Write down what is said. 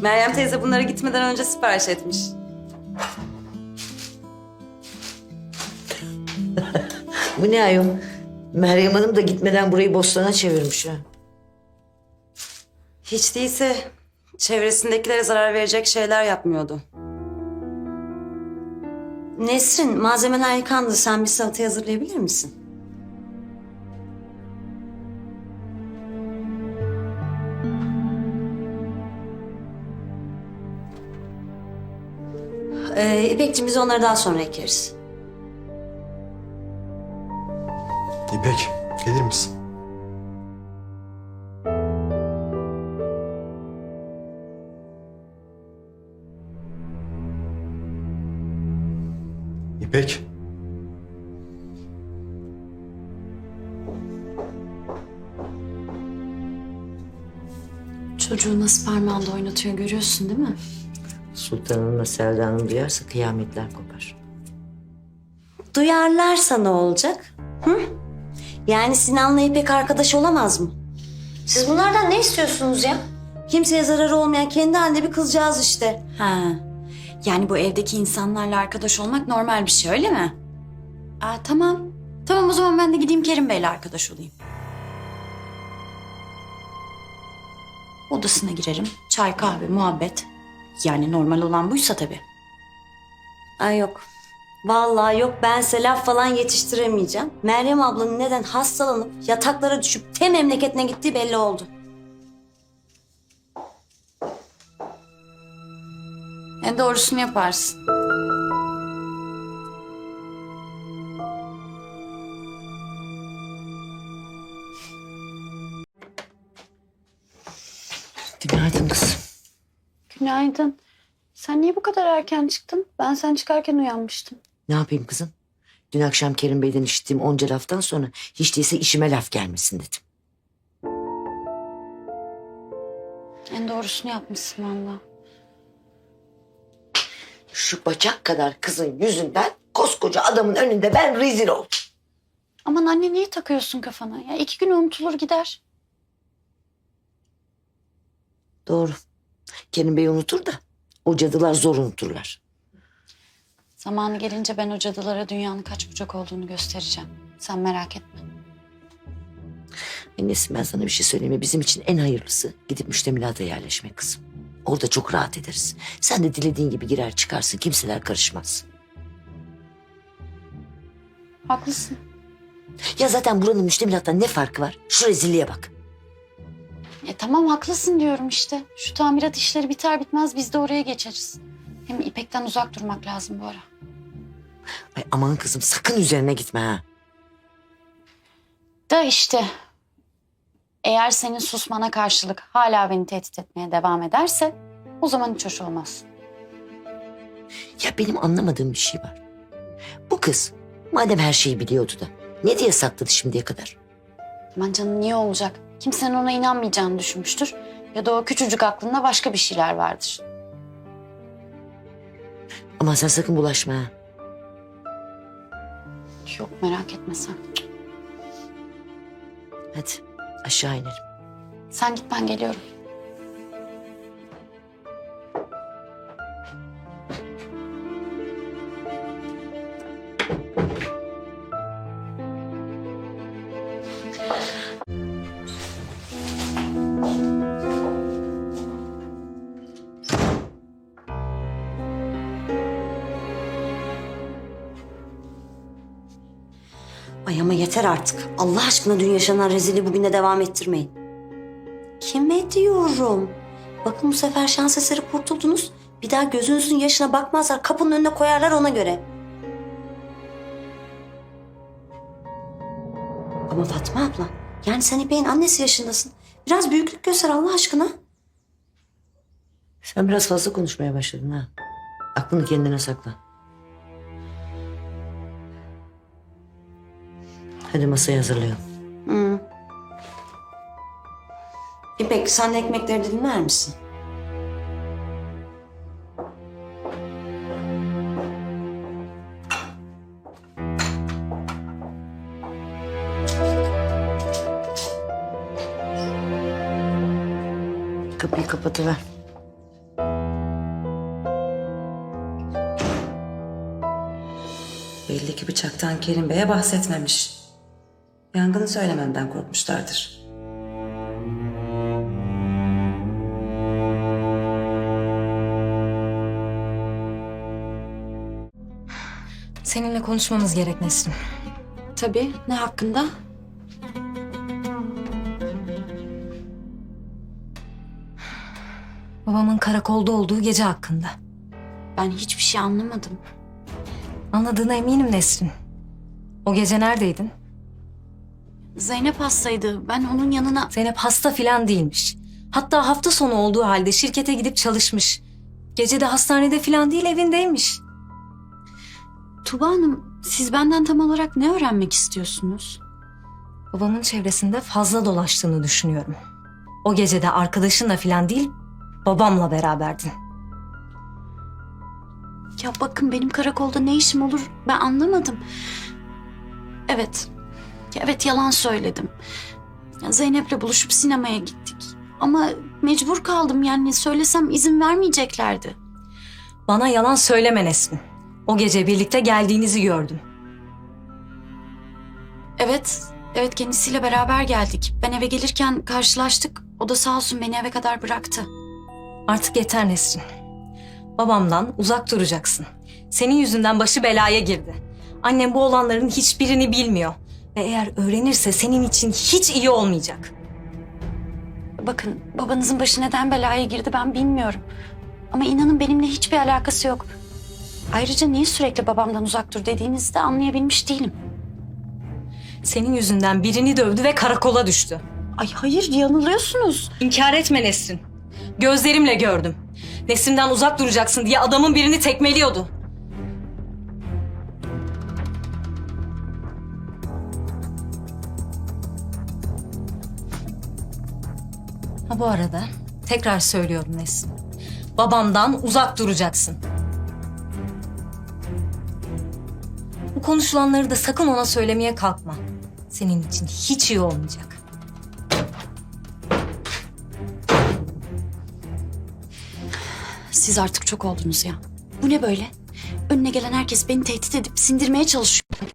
Meryem teyze bunları gitmeden önce sipariş etmiş. Bu ne ayol? Meryem Hanım da gitmeden burayı bostana çevirmiş ha. Hiç değilse çevresindekilere zarar verecek şeyler yapmıyordu. Nesrin, malzemeler yıkandı. Sen bir salata hazırlayabilir misin? İpekciğim biz onları daha sonra ekeriz. İpek, gelir misin? İpek. Çocuğu nasıl parmağında oynatıyor görüyorsun değil mi? Sultan Hanım'la Selda Hanım duyarsa kıyametler kopar. Duyarlarsa ne olacak? Hı? Yani Sinan'la İpek arkadaş olamaz mı? Siz bunlardan ne istiyorsunuz ya? Kimseye zararı olmayan kendi halinde bir kızcağız işte. Ha. Yani bu evdeki insanlarla arkadaş olmak normal bir şey öyle mi? Tamam. Tamam o zaman ben de gideyim Kerim Bey'le arkadaş olayım. Odasına girerim. Çay, kahve, muhabbet. Yani normal olan buysa tabii. Ay yok. Vallahi yok, ben size laf falan yetiştiremeyeceğim. Meryem ablanın neden hastalanıp yataklara düşüp te memleketine gittiği belli oldu. En doğrusunu yaparsın. Günaydın kızım. Günaydın. Sen niye bu kadar erken çıktın? Ben sen çıkarken uyanmıştım. Ne yapayım kızım? Dün akşam Kerim Bey'den işittiğim onca laftan sonra hiç değilse işime laf gelmesin dedim. En doğrusunu yapmışsın valla. Şu bacak kadar kızın yüzünden koskoca adamın önünde ben rezil oldum. Aman anne niye takıyorsun kafana? Ya 2 gün unutulur gider. Doğru. Kerim Bey unutur da o cadılar zor unuturlar. Zamanı gelince ben o cadılara dünyanın kaç bucak olduğunu göstereceğim. Sen merak etme. Annesi ben sana bir şey söyleyeyim mi? Bizim için en hayırlısı gidip müştemilata yerleşmek kızım. Orada çok rahat ederiz. Sen de dilediğin gibi girer çıkarsın. Kimseler karışmaz. Haklısın. Ya zaten buranın müştemilattan ne farkı var? Şu rezilliğe bak. Tamam haklısın diyorum işte. Şu tamirat işleri biter bitmez biz de oraya geçeriz. Hem İpek'ten uzak durmak lazım bu ara. Ay aman kızım sakın üzerine gitme ha. Da işte eğer senin susmana karşılık hala beni tehdit etmeye devam ederse o zaman hiç hoş olmaz. Ya benim anlamadığım bir şey var. Bu kız madem her şeyi biliyordu da ne diye sakladı şimdiye kadar? Aman canım niye olacak? Kimsenin ona inanmayacağını düşünmüştür. Ya da o küçücük aklında başka bir şeyler vardır. Aman sen sakın bulaşma ha. Yok merak etme sen. Hadi aşağı inelim. Sen git ben geliyorum. Ay ama yeter artık. Allah aşkına dün yaşanan rezilliği bugün de devam ettirmeyin. Kime diyorum? Bakın bu sefer şans eseri kurtuldunuz. Bir daha gözünüzün yaşına bakmazlar. Kapının önüne koyarlar ona göre. Ama Fatma abla, yani sen İpek'in annesi yaşındasın. Biraz büyüklük göster Allah aşkına. Sen biraz fazla konuşmaya başladın ha. Aklını kendine sakla. Hadi masayı hazırlayalım. Hı. İpek sen de ekmekleri dilimler misin? Kapıyı kapatıver. Kaçaktan Kerim Bey'e bahsetmemiş. Yangını söylememden korkmuşlardır. Seninle konuşmamız gerek Nesrin. Tabii. Ne hakkında? Babamın karakolda olduğu gece hakkında. Ben hiçbir şey anlamadım. Anladığına eminim Nesrin. O gece neredeydin? Zeynep hastaydı. Ben onun yanına... Zeynep hasta filan değilmiş. Hatta hafta sonu olduğu halde şirkete gidip çalışmış. Gece de hastanede filan değil, evindeymiş. Tuba Hanım, siz benden tam olarak ne öğrenmek istiyorsunuz? Babamın çevresinde fazla dolaştığını düşünüyorum. O gece de arkadaşınla filan değil, babamla beraberdin. Ya bakın, benim karakolda ne işim olur ben anlamadım. Evet. Evet, yalan söyledim. Ya Zeynep'le buluşup sinemaya gittik. Ama mecbur kaldım, yani söylesem izin vermeyeceklerdi. Bana yalan söyleme Nesrin. O gece birlikte geldiğinizi gördüm. Evet kendisiyle beraber geldik. Ben eve gelirken karşılaştık. O da sağ olsun beni eve kadar bıraktı. Artık yeter Nesrin. Babamdan uzak duracaksın. Senin yüzünden başı belaya girdi. Annem bu olanların hiçbirini bilmiyor. Ve eğer öğrenirse senin için hiç iyi olmayacak. Bakın, babanızın başı neden belaya girdi ben bilmiyorum. Ama inanın benimle hiçbir alakası yok. Ayrıca niye sürekli babamdan uzak dur dediğinizi de anlayabilmiş değilim. Senin yüzünden birini dövdü ve karakola düştü. Ay hayır, yanılıyorsunuz. İnkar etme Nesrin. Gözlerimle gördüm. Nesrin'den uzak duracaksın diye adamın birini tekmeliyordu. Ha bu arada tekrar söylüyorum Nesrin. Babamdan uzak duracaksın. Bu konuşulanları da sakın ona söylemeye kalkma. Senin için hiç iyi olmayacak. Siz artık çok oldunuz ya. Bu ne böyle? Önüne gelen herkes beni tehdit edip sindirmeye çalışıyor.